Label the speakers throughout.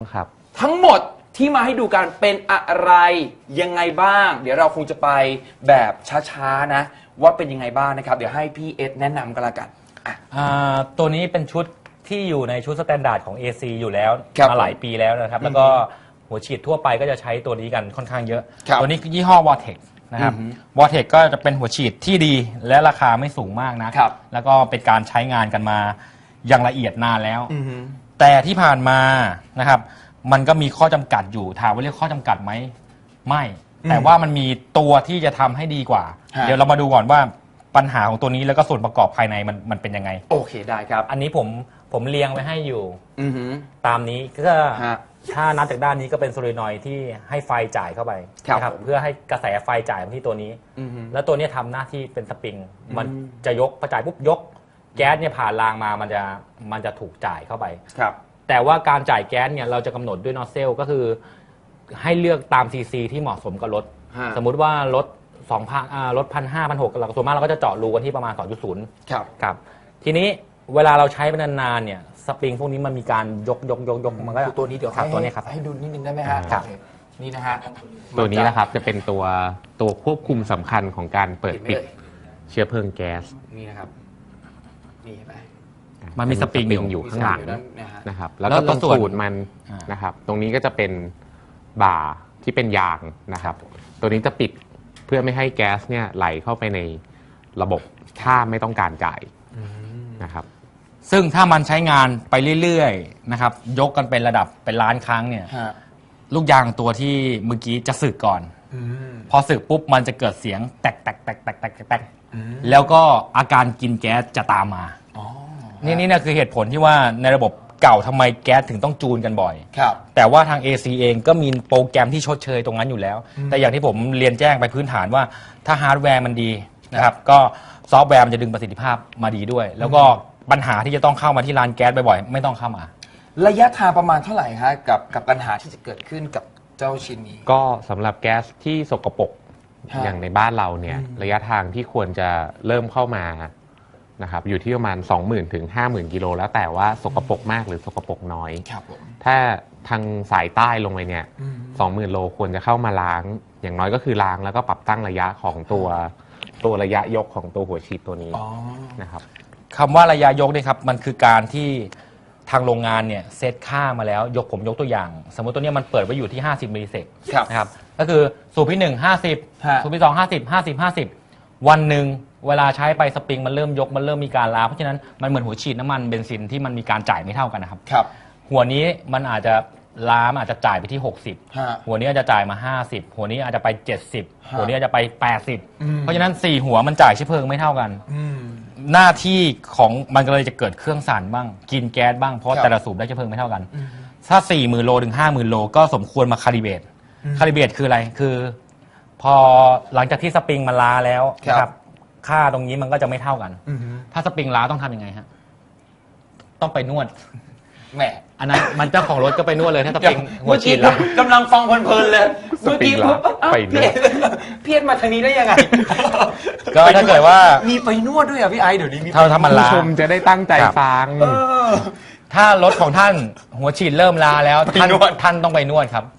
Speaker 1: ครับ
Speaker 2: ทั้งหมดที่มาให้ดูกันเป็นอะไรยังไงบ้างเดี๋ยวเราคงจะไปแบบช้าๆนะว่าเป็นยังไงบ้างนะครับเดี๋ยวให้พี่เอสแนะนำกันละกัน
Speaker 3: ตัวนี้เป็นชุดที่อยู่ในชุดสแตนดาร์ดของ AC อยู่แล้วมาหลายปีแล้วนะครับแล้วก็หัวฉีดทั่วไปก็จะใช้ตัวนี้กันค่อนข้างเยอะตัวนี้ยี่ห้อ Vortex นะครับ Vortex ก็จะเป็นหัวฉีดที่ดีและราคาไม่สูงมากนะแล้วก็เป็นการใช้งานกันมาอย่างละเอียดนานแล้วแต่ที่ผ่านมานะครับมันก็มีข้อจำกัดอยู่ถามว่าเรียกข้อจำกัดไหมไม่แต่ว่ามันมีตัวที่จะทำให้ดีกว่าเดี๋ยวเรามาดูก่อนว่าปัญหาของตัวนี้แล้วก็ส่วนประกอบภายในมันเป็นยังไง
Speaker 2: โอเคได้ครับ
Speaker 3: อันนี้ผมเรียงไว้ให้อยู่ตามนี้ก็ถ้านับจากด้านนี้ก็เป็นโซลินอยด์ที่ให้ไฟจ่ายเข้าไปนะครับเพื่อให้กระแสไฟจ่ายมาที่ตัวนี้แล้วตัวนี้ทำหน้าที่เป็นสปริงมันจะยกพอจ่ายปุ๊บยกแก๊สเนี่ยผ่านรางมามันจะถูกจ่ายเข้าไปแต่ว่าการจ่ายแก๊สเนี่ยเราจะกำหนดด้วยนอสเซลก็คือให้เลือกตามซีซีที่เหมาะสมกับรถสมมุติว่ารถ2,000รถ1,500 1,600เราส่วนมากเราก็จะเจาะรูกันที่ประมาณ 2.0 ครับทีนี้เวลาเราใช้ไปนานๆเนี่ยสปริงพวกนี้มันมีการยกมันก็
Speaker 2: ตัวนี้เดี๋ยว
Speaker 3: ตัวนี้ครับ
Speaker 2: ให้ดูนิดนึงได้ไหมฮะนี่นะฮะ
Speaker 1: ตัวนี้นะครับจะเป็นตัวควบคุมสำคัญของการเปิดปิดเชื้อเพลิงแก๊ส
Speaker 2: นี่นะครับนี่ไป
Speaker 1: มันมีสปริงอยู่ข้างหลังนะครับแล้วก็ตรงสูตรมันนะครับตรงนี้ก็จะเป็นบ่าที่เป็นยางนะครับตัวนี้จะปิดเพื่อไม่ให้แก๊สเนี่ยไหลเข้าไปในระบบถ้าไม่ต้องการจ่ายนะครับ
Speaker 3: ซึ่งถ้ามันใช้งานไปเรื่อยๆนะครับยกกันเป็นระดับเป็นล้านครั้งเนี่ยลูกยางตัวที่เมื่อกี้จะสึกก่อนพอสึกปุ๊บมันจะเกิดเสียงแตกแล้วก็อาการกินแก๊สจะตามมานี่นะคือเหตุผลที่ว่าในระบบเก่าทำไมแก๊สถึงต้องจูนกันบ่อยแต่ว่าทาง AC เองก็มีโปรแกรมที่ชดเชยตรงนั้นอยู่แล้วแต่อย่างที่ผมเรียนแจ้งไปพื้นฐานว่าถ้าฮาร์ดแวร์มันดีนะครับก็ซอฟต์แวร์มันจะดึงประสิทธิภาพมาดีด้วยแล้วก็ปัญหาที่จะต้องเข้ามาที่ร้านแก๊สบ่อยๆไม่ต้องเข้ามา
Speaker 2: ระยะทางประมาณเท่าไหร่ฮะกับปัญหาที่จะเกิดขึ้นกับเจ้าชิ้นนี้
Speaker 1: ก็สำหรับแก๊สที่สกปรกอย่างในบ้านเราเนี่ยระยะทางที่ควรจะเริ่มเข้ามานะครับอยู่ที่ประมาณ 20,000 ถึง 50,000 กิโลแล้วแต่ว่าสกปรกมากหรือสกปรกน้อยถ้าทางสายใต้ลงไปเนี่ย 20,000 โลควรจะเข้ามาล้างอย่างน้อยก็คือล้างแล้วก็ปรับตั้งระยะของตัวระยะยกของตัวหัวฉีดตัวนี้นะครับ
Speaker 3: คำว่าระยะยกเนี่ยครับมันคือการที่ทางโรงงานเนี่ยเซตค่ามาแล้วผมยกตัวอย่างสมมติตัวนี้มันเปิดไว้อยู่ที่50 มิลลิเซกนะครับก็คือสูบที่1 50สูบที่2 50วันหนึ่งเวลาใช้ไปสปริงมันเริ่มยกมันเริ่มมีการล้าเพราะฉะนั้นมันเหมือนหัวฉีดน้ำมันเบนซินที่มันมีการจ่ายไม่เท่ากันนะครับหัวนี้มันอาจจะล้าอาจจะจ่ายไปที่60หัวนี้อาจจะจ่ายมา50หัวนี้อาจจะไป70หัวนี้อาจจะไป80เพราะฉะนั้น4หัวมันจ่ายเชื้อเพลิงไม่เท่ากันหน้าที่ของมันก็เลยจะเกิดเครื่องสั่นบ้างกินแก๊สบ้างเพราะแต่ละสูบได้เชื้อเพลิงไม่เท่ากันถ้า 40,000 โลถึง 50,000 โลก็สมควรมาคาลิเบรตคืออะไรคือพอหลังจากที่สปริงมันล้าแล้วนะครับค่าตรงนี้มันก็จะไม่เท่ากันถ้าสปริงล้าต้องทำยังไงฮะต้องไปนวด
Speaker 2: แหม
Speaker 3: อันนั้นมันเจ้าของรถก็ไปนวดเลยถ้าสปริงหัวฉีดแล้ว
Speaker 2: กำลังฟังเพลินๆเลยเมื่อกี้
Speaker 1: ไปนวด
Speaker 2: เพี้ยนมาทางนี้ได้ยังไง
Speaker 3: ก็ถ้าเกิดว่า
Speaker 2: มีไปนวดด้วยอ่ะพี่ไอเดี๋ยวนี้มี
Speaker 3: ถ้ามันล้า
Speaker 1: ชมจะได้ตั้งใจฟัง
Speaker 3: ถ้ารถของท่านหัวฉีดเริ่มล้าแล้วท่านต้องไปนวดครับ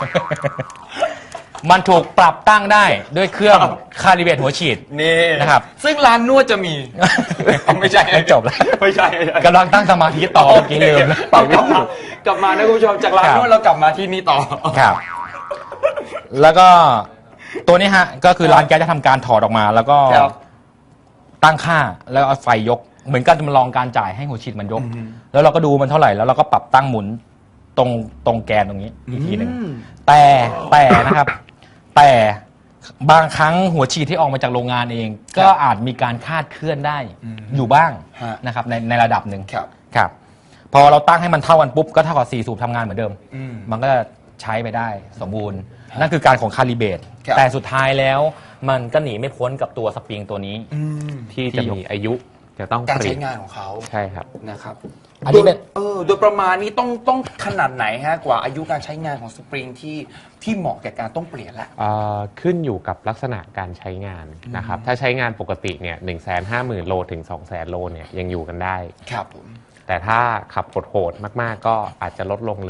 Speaker 3: มันถูกปรับตั้งได้ด้วยเครื่องคาลิเบรตหัวฉีด
Speaker 2: นี่
Speaker 3: นะครับ
Speaker 2: ซึ่งร้านนวดจะมีไม่ใช่
Speaker 3: ไม่จบแล้ว
Speaker 2: ไม่ใช่
Speaker 3: กำลังตั้งสมาธิต่อเมื่อกี้ลืม
Speaker 2: กลับมานะคุณผู้ชมจากร้านนวดเรากลับมาที่นี่ต่อ
Speaker 3: ครับแล้วก็ตัวนี้ฮะก็คือร้านแก๊สจะทำการถอดออกมาแล้วก็ตั้งค่าแล้วเอาไฟยกเหมือนกันจะมาลองการจ่ายให้หัวฉีดมันยกแล้วเราก็ดูมันเท่าไหร่แล้วเราก็ปรับตั้งหมุนตรงแกนตรงนี้อีกทีหนึ่งแต่นะครับแต่บางครั้งหัวฉีดที่ออกมาจากโรงงานเองก็อาจมีการคาดเคลื่อนได้อยู่บ้างนะครับในระดับหนึ่งครับพอเราตั้งให้มันเท่ากันปุ๊บก็เท่ากับ4สูบทำงานเหมือนเดิมมันก็ใช้ไปได้สมบูรณ์นั่นคือการของคาลิเบรตแต่สุดท้ายแล้วมันก็หนีไม่พ้นกับตัวสปริงตัวนี้
Speaker 1: ที่จะมีอายุจะต้อง
Speaker 2: การใช้งานของเขา
Speaker 1: ใช่ครับ
Speaker 2: นะครับอันนี้เป็นโดยประมาณนี้ต้องขนาดไหนฮะกว่าอายุการใช้งานของสปริงที่เหมาะแก่การต้องเปลี่ยนละ
Speaker 1: ขึ้นอยู่กับลักษณะการใช้งานนะครับถ้าใช้งานปกติเนี่ย150,000 โลถึง 200,000 โลเนี่ยยังอยู่กันได้
Speaker 2: ครับผม
Speaker 1: แต่ถ้าขับโหดๆมากๆก็อาจจะลดลงเหลือ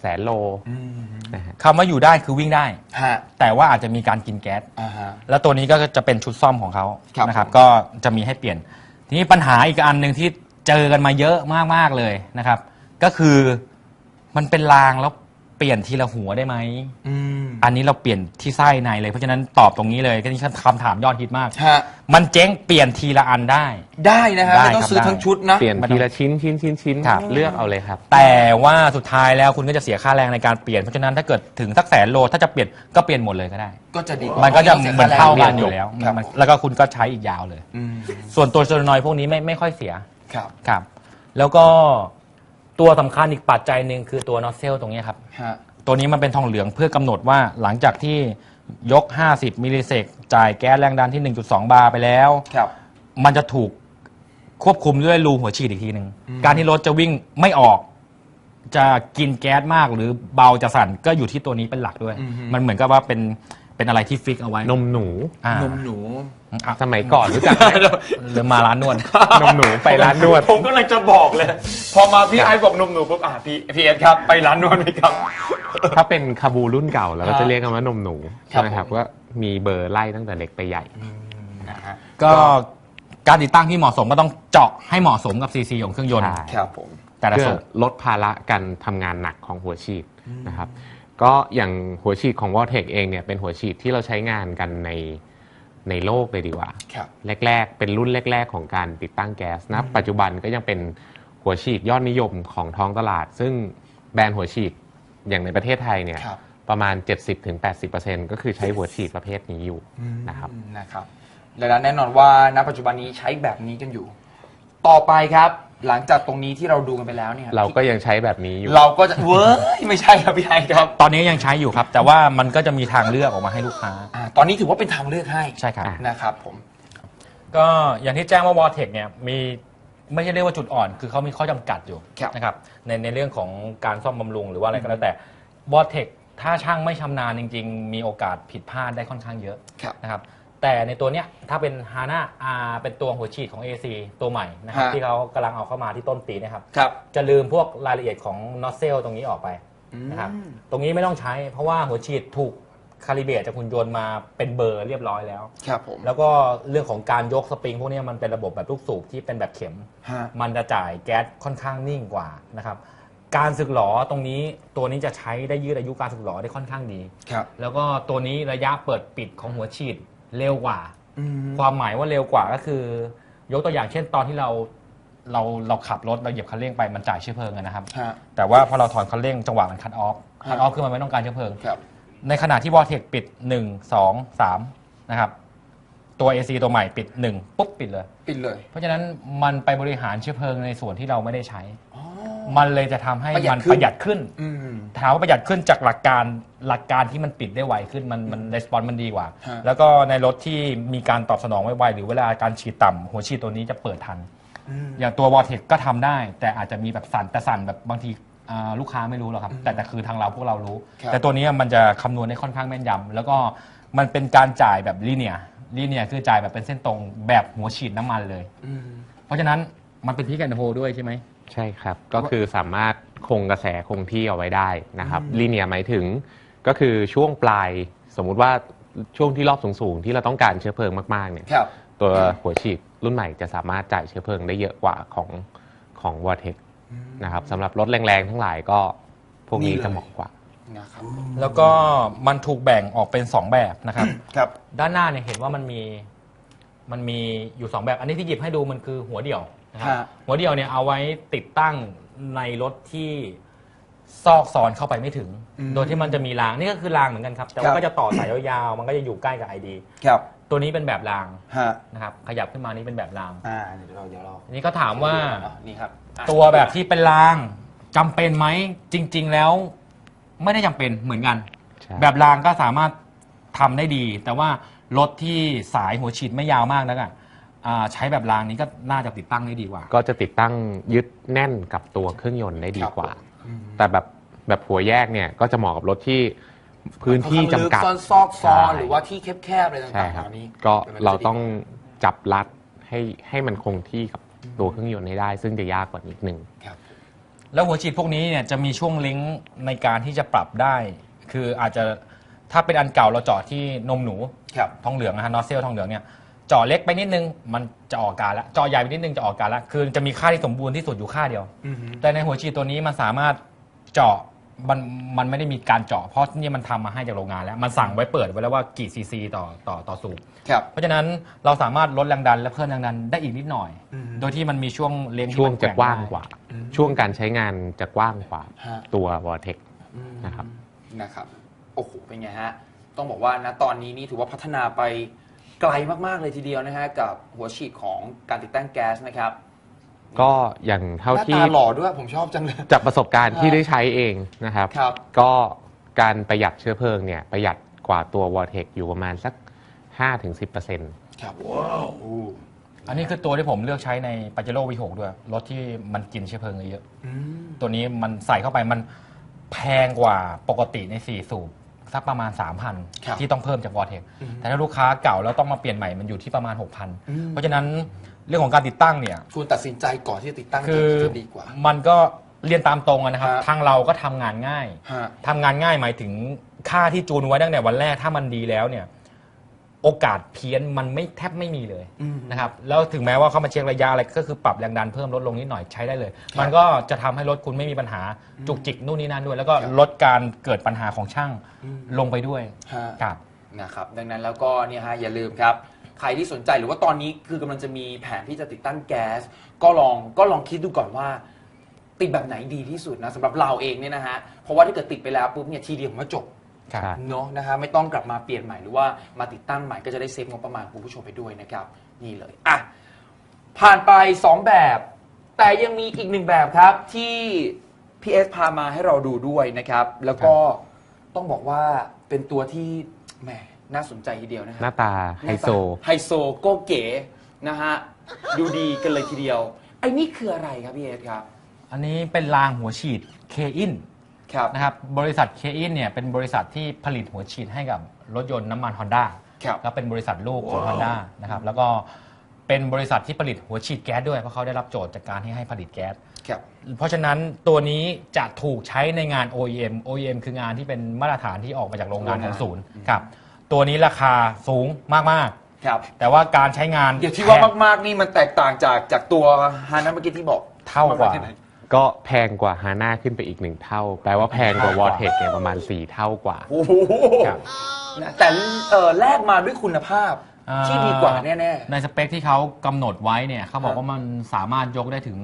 Speaker 1: 100,000 โล
Speaker 2: อืม
Speaker 1: นะฮะ
Speaker 3: คำว่าอยู่ได้คือวิ่งได้
Speaker 2: ฮะ
Speaker 3: แต่ว่าอาจจะมีการกินแก๊ส
Speaker 2: อ่าฮะ
Speaker 3: แล้วตัวนี้ก็จะเป็นชุดซ่อมของเขา
Speaker 2: ครับ
Speaker 3: นะครับ
Speaker 2: ผม
Speaker 3: ก็จะมีให้เปลี่ยน ทีนี้ปัญหาอีกอันหนึ่งที่เจอกันมาเยอะมากๆเลยนะครับ ก็คือมันเป็นรางแล้วเปลี่ยนทีละหัวได้ไหม
Speaker 2: อืม
Speaker 3: อันนี้เราเปลี่ยนที่ไส้ในเลย เพราะฉะนั้นตอบตรงนี้เลยก็นี่คำถามยอดฮิตมาก
Speaker 2: ฮะ
Speaker 3: มันเจ๊งเปลี่ยนทีละอันได้
Speaker 2: ได้นะฮะ
Speaker 3: ได้
Speaker 2: ไม่ต้อง
Speaker 3: ครับ
Speaker 2: ซื้อ
Speaker 3: ได้
Speaker 2: ทั้งชุดนะ
Speaker 1: เปลี่ยนทีละชิ้น
Speaker 3: ครับ
Speaker 1: เลือกเอาเลยครับ
Speaker 3: แต่ว่าสุดท้ายแล้วคุณก็จะเสียค่าแรงในการเปลี่ยน เพราะฉะนั้นถ้าเกิดถึงสัก100,000 โลถ้าจะเปลี่ยนก็เปลี่ยนหมดเลยก็ได้
Speaker 2: ก็จะดีกว่า
Speaker 3: มันก็จะ
Speaker 2: สีย
Speaker 3: เหมือน
Speaker 2: ค่แรง
Speaker 3: เท่ากันอยู่แล้ว
Speaker 2: ครับ
Speaker 3: แล้วก็คุณก็ใช้อีกยาวเลย
Speaker 2: อืม
Speaker 3: ส่วนตัวโซลานอยด์พวกนี้ไม่ค่อยเสีย
Speaker 2: ครับ
Speaker 3: ครับ แล้วก็ตัวสำคัญอีกปัจจัยหนึ่งคือตัวนอสเซลตรงนี้ครับ
Speaker 2: ฮะ
Speaker 3: ตัวนี้มันเป็นทองเหลืองเพื่อกำหนดว่าหลังจากที่ยก 50 มิลลิเซกจ่ายแก๊สแรงดันที่ 1.2 บาร์ไปแล้ว
Speaker 2: ครับ
Speaker 3: มันจะถูกควบคุมด้วยรูหัวฉีดอีกทีหนึ่ง การที่รถจะวิ่งไม่ออก จะกินแก๊สมากหรือเบาจะสั่นก็อยู่ที่ตัวนี้เป็นหลักด้วย มันเหมือนกับว่าเป็นอะไรที่ฟิกเอาไว้
Speaker 1: นมหนู
Speaker 3: อ่าน
Speaker 2: มหนู
Speaker 3: อ่ะ
Speaker 1: สมัยก่อนรู้จักไหม
Speaker 3: หรือมาร้านนวด
Speaker 1: นมหนูไปร้านนวด
Speaker 2: ผมก็เลยจะบอกเลย พอมาพี่ไอ้บอกนมหนูปุ๊บพี่เอสครับไปร้านนวดไหมครับ
Speaker 1: ถ้าเป็นคาบูรุ่นเก่าเราก็จะเรียกกันว่านมหนู
Speaker 2: ครับ
Speaker 1: ใช่ไหมครับ
Speaker 2: ผม
Speaker 1: ก็มีเบอร์ไล่ตั้งแต่เล็กไปใหญ่
Speaker 2: นะฮะ
Speaker 3: ก็การติดตั้งที่เหมาะสมก็ต้องเจาะให้เหมาะสมกับซีซีของเครื่องยนต์
Speaker 1: ใช่
Speaker 2: ครับผม
Speaker 3: แต่ละ
Speaker 1: เพื่อ
Speaker 3: สูบ
Speaker 1: ลดภาระการทำงานหนักของหัวฉีดนะครับ ก็อย่างหัวฉีดของ Vortex เองเนี่ยเป็นหัวฉีดที่เราใช้งานกันในโลกเลยดีกว่า
Speaker 2: ครับ
Speaker 1: แรกๆ เป็นรุ่นแรก ๆ ของการติดตั้งแก๊สนะปัจจุบันก็ยังเป็นหัวฉีดยอดนิยมของท้องตลาด ซึ่งแบรนด์หัวฉีดอย่างในประเทศไทยเนี่ย
Speaker 2: ครับ
Speaker 1: ประมาณ 70-80% ก็คือใช้หัวฉีดประเภทนี้อยู่นะครับ
Speaker 2: นะครับดังนั้นแน่นอนว่าณปัจจุบันนี้ใช้แบบนี้กันอยู่ ต่อไปครับ หลังจากตรงนี้ที่เราดูกันไปแล้วเนี่ย
Speaker 1: เราก็ยังใช้แบบนี้อยู่
Speaker 2: เราก็จะเว้ยไม่ใช่ครับพี่ไอ้ครับ
Speaker 3: ตอนนี้ยังใช้อยู่ครับ แต่ว่ามันก็จะมีทางเลือกออกมาให้ลูกค้า
Speaker 2: ตอนนี้ถือว่าเป็นทางเลือกให้
Speaker 3: ใช่ครับ
Speaker 2: นะครับผม
Speaker 3: ก็อย่างที่แจ้งว่า Vortex เนี่ยมีไม่ใช่เรียกว่าจุดอ่อน คือเขามีข้อจำกัดอยู่
Speaker 2: ครับ
Speaker 3: นะครับในเรื่องของการซ่อมบำรุงหรือว่าอะไรก็แล้วแต่ Vortex ถ้าช่างไม่ชำนาญจริง ๆ มีโอกาสผิดพลาดได้ค่อนข้างเยอะ
Speaker 2: ครับ
Speaker 3: นะครับแต่ในตัวเนี้ยถ้าเป็น HANA R เป็นตัวหัวฉีดของ AC ตัวใหม่นะครับที่เขากำลังเอาเข้ามาที่ต้นปีนะครับ
Speaker 2: ครับ
Speaker 3: จะลืมพวกรายละเอียดของ nozzle ตรงนี้ออกไปนะครับตรงนี้ไม่ต้องใช้เพราะว่าหัวฉีดถูกคาลิเบรตจากหุ่นยนต์มาเป็นเบอร์เรียบร้อยแล้ว
Speaker 2: ครับผม
Speaker 3: แล้วก็เรื่องของการยกสปริงพวกนี้มันเป็นระบบแบบลูกสูบที่เป็นแบบเข็ม
Speaker 2: ฮะ
Speaker 3: มันจะจ่ายแก๊สค่อนข้างนิ่งกว่านะครับการสึกหรอตรงนี้ตัวนี้จะใช้ได้ยืดอายุการสึกหรอได้ค่อนข้างดี
Speaker 2: ครับ
Speaker 3: แล้วก็ตัวนี้ระยะเปิดปิดของหัวฉีดเร็วกว่า
Speaker 2: อืม
Speaker 3: ความหมายว่าเร็วกว่าก็คือ ยกตัวอย่างเช่นตอนที่เราขับรถเราเหยียบคันเร่งไปมันจ่ายเชื้อเพลิงอะนะครับ
Speaker 2: ฮะ
Speaker 3: แต่ว่าพอเราถอนคันเร่งจังหวะมันคัทออฟคือมันไม่ต้องการเชื้อเพลิง
Speaker 2: ครับ
Speaker 3: ในขณะที่ Vortex ปิด 1 2 3 นะครับ ตัว AC ตัวใหม่ปิด 1 ปุ๊บปิดเลย
Speaker 2: ปิดเลย
Speaker 3: เพราะฉะนั้นมันไปบริหารเชื้อเพลิงในส่วนที่เราไม่ได้ใช้
Speaker 2: อ๋อ
Speaker 3: มันเลยจะทำให้
Speaker 2: ประหยั
Speaker 3: มั
Speaker 2: ด
Speaker 3: น
Speaker 2: ขึ้น
Speaker 3: ประหยัดขึ้น
Speaker 2: อืม
Speaker 3: ถามว่าประหยัดขึ้นจากหลักการที่มันปิดได้ไวขึ้นมันレスปอนส์มันดีกว่า
Speaker 2: ฮะ
Speaker 3: แล้วก็ในรถที่มีการตอบสนองไวๆหรือเวลาการฉีดต่ำหัวฉีดตัวนี้จะเปิดทัน อย่างตัว Vortex ก็ทำได้ แต่อาจจะมีแบบสั่นแต่สั่นแบบบางทีลูกค้าไม่รู้หรอกครับ แต่คือทางเราพวกเรารู้
Speaker 2: ครับ
Speaker 3: แต่ตัวนี้มันจะคำนวณได้ค่อนข้างแม่นยำแล้วก็มันเป็นการจ่ายแบบลีเนียคือจ่ายแบบเป็นเส้นตรงแบบหัวฉีดน้ำมันเลย
Speaker 2: อืม
Speaker 3: เพราะฉะนั้นมันเป็นพิกแอนด์โฮด้วยใช่ไหม
Speaker 1: ใช่ครับ ก็คือสามารถคงกระแสคงที่เอาไว้ได้นะครับลีเนียหมายถึงก็คือช่วงปลายสมมุติว่าช่วงที่รอบสูงๆ ที่เราต้องการเชื้อเพลิงมากๆเนี่ย
Speaker 2: ครับ
Speaker 1: ตัวหัวฉีดรุ่นใหม่จะสามารถจ่ายเชื้อเพลิงได้เยอะกว่าของ Vortex นะครับสำหรับรถแรงๆ ทั้งหลายก็พวกนี้
Speaker 2: นี่เลย
Speaker 1: จะเหมาะกว่า
Speaker 2: นะครับ
Speaker 3: แล้วก็มันถูกแบ่งออกเป็น 2 แบบนะครับ
Speaker 2: ครับ
Speaker 3: ด้านหน้าเนี่ยเห็นว่ามันมีอยู่ 2 แบบ อันนี้ที่หยิบให้ดูมันคือหัวเดี่ยวนะครับ
Speaker 2: ฮะ
Speaker 3: หัวเดี่ยวเนี่ยเอาไว้ติดตั้งในรถที่ซอกซอนเข้าไปไม่ถึง โดยที่มันจะมีรางนี่ก็คือรางเหมือนกันครับ แต่ว่าก็จะต่อสายยาวๆมันก็จะอยู่ใกล้กับ ID
Speaker 2: ครับ
Speaker 3: ตัวนี้เป็นแบบราง
Speaker 2: ฮะ
Speaker 3: นะครับขยับขึ้นมานี่เป็นแบบราง
Speaker 2: เดี๋ยวเรา
Speaker 3: อันนี้ก็ถามว่า
Speaker 2: นี่ครับ
Speaker 3: ตัวแบบที่เป็นรางจำเป็นไหมจริง ๆ แล้วไม่ได้จำเป็นเหมือนกัน
Speaker 1: ใช่
Speaker 3: แบบรางก็สามารถทำได้ดี แต่ว่ารถที่สายหัวฉีดไม่ยาวมากนักใช้แบบรางนี้ก็น่าจะติดตั้งได้ดีกว่า
Speaker 1: ก็จะติดตั้งยึดแน่นกับตัวเครื่องยนต์ได้ดีกว่า แต่แบบหัวแยกเนี่ยก็จะเหมาะกับรถที่พื้นที่จำกัด
Speaker 2: ค่อนข้างลึซอกซอน
Speaker 1: ใช่
Speaker 2: หรือว่าที่แคบๆอะไร
Speaker 1: ใช่
Speaker 2: ต่างๆ
Speaker 1: ครับ
Speaker 2: เหล่านี้
Speaker 1: ก็เราต้องจับรัดให้มันคงที่กับตัวเครื่องยนต์ให้ได้ ซึ่งจะยากกว่านิดนึง
Speaker 2: ครับ
Speaker 3: แล้วหัวฉีดพวกนี้เนี่ยจะมีช่วงลิงก์ในการที่จะปรับได้ คืออาจจะถ้าเป็นอันเก่าเราเจาะที่นมหนู
Speaker 2: ครับ
Speaker 3: ทองเหลืองนะฮะนอสเซลทองเหลืองเนี่ยเจาะเล็กไปนิดนึงมันจะออกอาการแล้วเจาะใหญ่ไปนิดนึงจะออกอาการแล้วคือจะมีค่าที่สมบูรณ์ที่สุดอยู่ค่าเดียว แต่ในหัวฉีดตัวนี้มันสามารถเจาะมันไม่ได้มีการเจาะเพราะนี่มันทำมาให้จากโรงงานแล้วมันสั่งไว้เปิดไว้แล้วว่ากี่ซีซีต่อสูบ
Speaker 2: ครับ
Speaker 3: เพราะฉะนั้นเราสามารถลดแรงดันและเพิ่มแรงดันได้อีกนิดหน่อย โดยที่มันมีช่วงเลี้ยงที่
Speaker 1: ช่วง
Speaker 3: มัน
Speaker 1: จะ
Speaker 3: แร่
Speaker 1: กว้าง
Speaker 3: ได้
Speaker 1: กว่า ช่วงการใช้งานจะกว้างกว่า
Speaker 2: ฮะ
Speaker 1: ตัววอร์เทคนะครับ
Speaker 2: นะครับโอ้โหเป็นไงฮะต้องบอกว่าณตอนนี้นี่ถือว่าพัฒนาไปไกลมากๆเลยทีเดียวนะฮะกับหัวฉีดของการติดตั้งแก๊สนะครับ
Speaker 1: ก็อย่างเท่า
Speaker 2: หน้า
Speaker 1: ที่
Speaker 2: ตาหล่อด้วยผมชอบจังเลย
Speaker 1: จากประสบการณ์ที่ได้ใช้เองนะครับ
Speaker 2: ครับ
Speaker 1: ก็การประหยัดเชื้อเพลิงเนี่ยประหยัดกว่าตัววอร์เทคอยู่ประมาณสัก 5-10%
Speaker 2: ครับว้าว
Speaker 3: อันนี้คือตัวที่ผมเลือกใช้ในปาเจโร่ V6 ด้วยรถที่มันกินเชื้อเพลิงเยอะ ตัวนี้มันใส่เข้าไปมันแพงกว่าปกติใน4สูบสักประมาณ
Speaker 2: ครับ
Speaker 3: 3,000 ที่ต้องเพิ่มจากวอร์เทคแต่ถ้าลูกค้าเก่าแล้วต้องมาเปลี่ยนใหม่มันอยู่ที่ประมาณ 6,000 เพราะฉะนั้นเรื่องของการติดตั้งเนี่ย
Speaker 2: ควรตัดสินใจก่อนที่จะติดตั้ง
Speaker 3: คือ
Speaker 2: จะดีกว่า
Speaker 3: มันก็เรียนตามตรงอะนะครับ
Speaker 2: ฮะ
Speaker 3: ทางเราก็ทำงานง่าย
Speaker 2: ฮะ
Speaker 3: ทำงานง่ายหมายถึงค่าที่จูนไว้ตั้งแต่วันแรกถ้ามันดีแล้วเนี่ยโอกาสเพี้ยนมันไม่แทบไม่มีเลยนะครับแล้วถึงแม้ว่าเขามาเช็คระยะอะไรก็คือปรับแรงดันเพิ่มลดลงนิดหน่อยใช้ได้เลย มันก็จะทำให้รถคุณไม่มีปัญหาจุกจิกนู่นนี่นั่นด้วย แล้วก็ลดการเกิดปัญหาของช่างลงไปด้วย
Speaker 2: ฮะ
Speaker 3: ครับ
Speaker 2: นะครับดังนั้นแล้วก็เนี่ยฮะอย่าลืมครับใครที่สนใจหรือว่าตอนนี้คือกำลังจะมีแผนที่จะติดตั้งแก๊สก็ลองคิดดูก่อนว่า ติดแบบไหนดีที่สุดนะสำหรับเราเองเนี่ยนะฮะเพราะว่าถ้าเกิดติดไปแล้วปุ๊บเนี่ยทีเดียวผมว่าจบ
Speaker 3: ครับ
Speaker 2: เนาะนะฮะไม่ต้องกลับมาเปลี่ยนใหม่หรือว่ามาติดตั้งใหม่ก็จะได้เซฟงบประมาณคุณผู้ชมไปด้วยนะครับนี่เลยอ่ะผ่านไป 2 แบบ แต่ยังมีอีก1แบบครับที่พีเอสพามาให้เราดูด้วยนะครับแล้วก็ต้องบอกว่าเป็นตัวที่แหมน่าสนใจทีเดียวนะฮะ
Speaker 1: หน้าตาไฮโซ
Speaker 2: ไฮโซโก็เก๋นะฮะดูดีกันเลยทีเดียวไอ้นี่คืออะไรครับพี่เอสครับ
Speaker 3: อันนี้เป็นรางหัวฉีดเคอิน
Speaker 2: ครับ
Speaker 3: นะครับบริษัทเคอินเนี่ยเป็นบริษัทที่ผลิตหัวฉีดให้กับรถยนต์น้ำมัน Honda
Speaker 2: ครับ
Speaker 3: แล้วเป็นบริษัทลูกของ Honda นะครับแล้วก็เป็นบริษัทที่ผลิตหัวฉีดแก๊สด้วยเพราะเขาได้รับโจทย์จากการที่ให้ผลิตแก๊ส
Speaker 2: ครับ
Speaker 3: เพราะฉะนั้นตัวนี้จะถูกใช้ในงาน OEM คืองานที่เป็นมาตรฐานที่ออกมาจากโรงงานของศูนย์ครับตัวนี้ราคาสูงมาก
Speaker 2: ครับ
Speaker 3: ๆ แต่ว่าการใช้งาน
Speaker 2: เดี๋ยวที่ว่า
Speaker 3: แพง
Speaker 2: มากๆนี่มันแตกต่างจากตัวฮานะเมื่อกี้ที่บอก
Speaker 3: เท่ากว่า
Speaker 2: มแค่ไหน
Speaker 1: ก็แพงกว่าฮาน่าขึ้นไปอีก1 เท่า แปลว่าแพงกว่าวอร์เทคเนี่ยประมาณ 4 เท่ากว่า
Speaker 2: โอ้โห
Speaker 1: ครับ
Speaker 2: นะแต่แลกมาด้วยคุณภาพที่ดีกว่าแน่
Speaker 3: ในสเปคที่เขากำหนดไว้เนี่ยเขาบอกว่ามันสามารถยกได้ถึง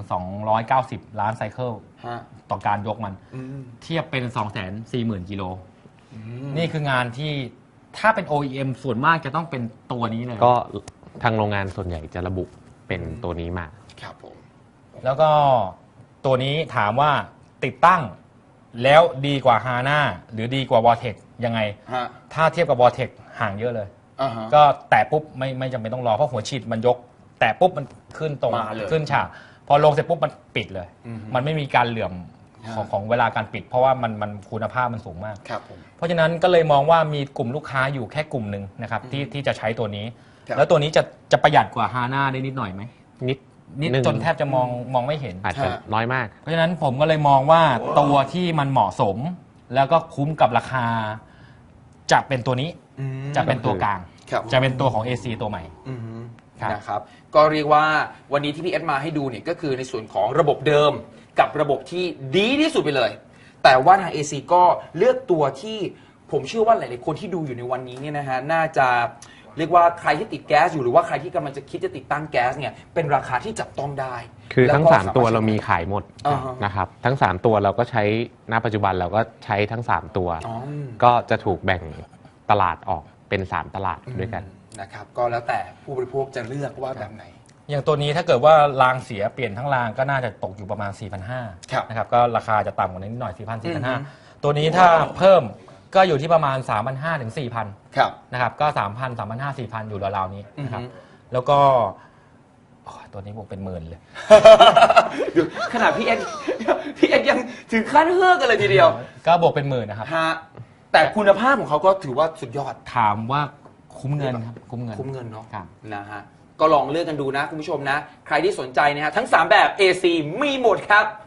Speaker 3: 290 ล้านไซเคิล
Speaker 2: ๆฮะ
Speaker 3: ต่อการยกมัน
Speaker 2: อืม
Speaker 3: เทียบเป็น 240,000 กิโล นี่คืองานที่ถ้าเป็น OEM ส่วนมากจะต้องเป็นตัวนี้เลย
Speaker 1: ก็ทางโรงงานส่วนใหญ่จะระบุเป็นตัวนี้มา
Speaker 2: ครับผม
Speaker 3: แล้วก็ตัวนี้ถามว่าติดตั้งแล้วดีกว่า HANA หรือดีกว่า Vortex ยังไง
Speaker 2: ฮะ
Speaker 3: ถ้าเทียบกับ Vortex ห่างเยอะเลย
Speaker 2: อ่าฮะ
Speaker 3: ก็แตะปุ๊บไม่จำเป็นต้องรอเพราะหัวฉีดมันยก แตะปุ๊บมันขึ้นตรง
Speaker 2: มาเลย
Speaker 3: ขึ้นฉากพอลงเสร็จปุ๊บมันปิดเลย
Speaker 2: อือฮึ
Speaker 3: มันไม่มีการเหลื่อมของเวลาการปิด เพราะว่ามันคุณภาพมันสูงมาก
Speaker 2: ครับผม
Speaker 3: เพราะฉะนั้นก็เลยมองว่ามีกลุ่มลูกค้าอยู่แค่กลุ่มหนึ่งนะครับที่จะใช้ตัวนี้
Speaker 2: ครับ
Speaker 3: แล้วตัวนี้จะประหยัดกว่า HANA ได้นิดหน่อยไหม
Speaker 1: นิด
Speaker 3: นิด
Speaker 1: หง
Speaker 3: จนแทบจะมองไม่เห็น
Speaker 1: อาจจะน้อยมาก
Speaker 3: เพราะฉะนั้นผมก็เลยมองว่าตัวที่มันเหมาะสม แล้วก็คุ้มกับราคา จะเป็นตัวนี้
Speaker 2: อืม
Speaker 3: จะเป็นตัวกลาง
Speaker 2: ครับ
Speaker 3: จะเป็นตัวของ AC ตัวใหม่
Speaker 2: อืม
Speaker 3: ครับ
Speaker 2: นะครับก็เรียกว่าวันนี้ที่พี่เอสมาให้ดูเนี่ยก็คือในส่วนของระบบเดิมกับระบบที่ดีที่สุดไปเลย แต่ว่าทาง AC ก็เลือกตัวที่ผมเชื่อว่าหลายๆคนที่ดูอยู่ในวันนี้เนี่ยนะฮะน่าจะเรียกว่าใครที่ติดแก๊สอยู่หรือว่าใครที่กำลังจะคิดจะติดตั้งแก๊สเนี่ยเป็นราคาที่จับต้องได้
Speaker 1: คือทั้ง
Speaker 2: แล้วก็
Speaker 1: 3 ตัว
Speaker 2: สถ
Speaker 1: เรามีขายหมด
Speaker 2: อ่าฮะ
Speaker 1: นะครับ ทั้ง 3 ตัวเราก็ใช้ณปัจจุบันเราก็ใช้ทั้ง 3 ตัว
Speaker 2: อ๋อ
Speaker 1: ก็จะถูกแบ่งตลาดออกเป็น 3 ตลาดด้วยกัน
Speaker 2: นะครับก็แล้วแต่ผู้บริโภคจะเลือกว่าแบบไหน
Speaker 3: อย่างตัวนี้ถ้าเกิดว่ารางเสียเปลี่ยนทั้งรางก็น่าจะตกอยู่ประมาณ 4,500
Speaker 2: ครับ
Speaker 3: นะครับก็ราคาจะต่ำกว่านี้นิดหน่อย 4,000
Speaker 2: อือฮึ
Speaker 3: 4,500 ตัวนี้ถ้าเพิ่มก็อยู่ที่ประมาณ 3,500 ถึง 4,000
Speaker 2: ครับ
Speaker 3: นะครับก็ 3,000 3,500 4,000 อยู่ราวๆนี้นะครับ
Speaker 2: อือฮึ
Speaker 3: แล้วก็โอ้ยตัวนี้บวกเป็นหมื่นเลย
Speaker 2: ดูขนาดพี่เอสยังถึงขั้นเฮือกกันเลยทีเดียว
Speaker 3: ก็บวกเป็นหมื่นนะครับ
Speaker 2: ฮะแต่คุณภาพของเขาก็ถือว่าสุดยอด
Speaker 3: ถามว่าคุ้มเงินครับคุ้มเงิน
Speaker 2: คุ้มเงินเนาะ
Speaker 3: ครับ
Speaker 2: นะฮะก็ลองเลือกกันดูนะคุณผู้ชมนะ ใครที่สนใจนะฮะทั้ง 3 แบบ AC มีหมดครับ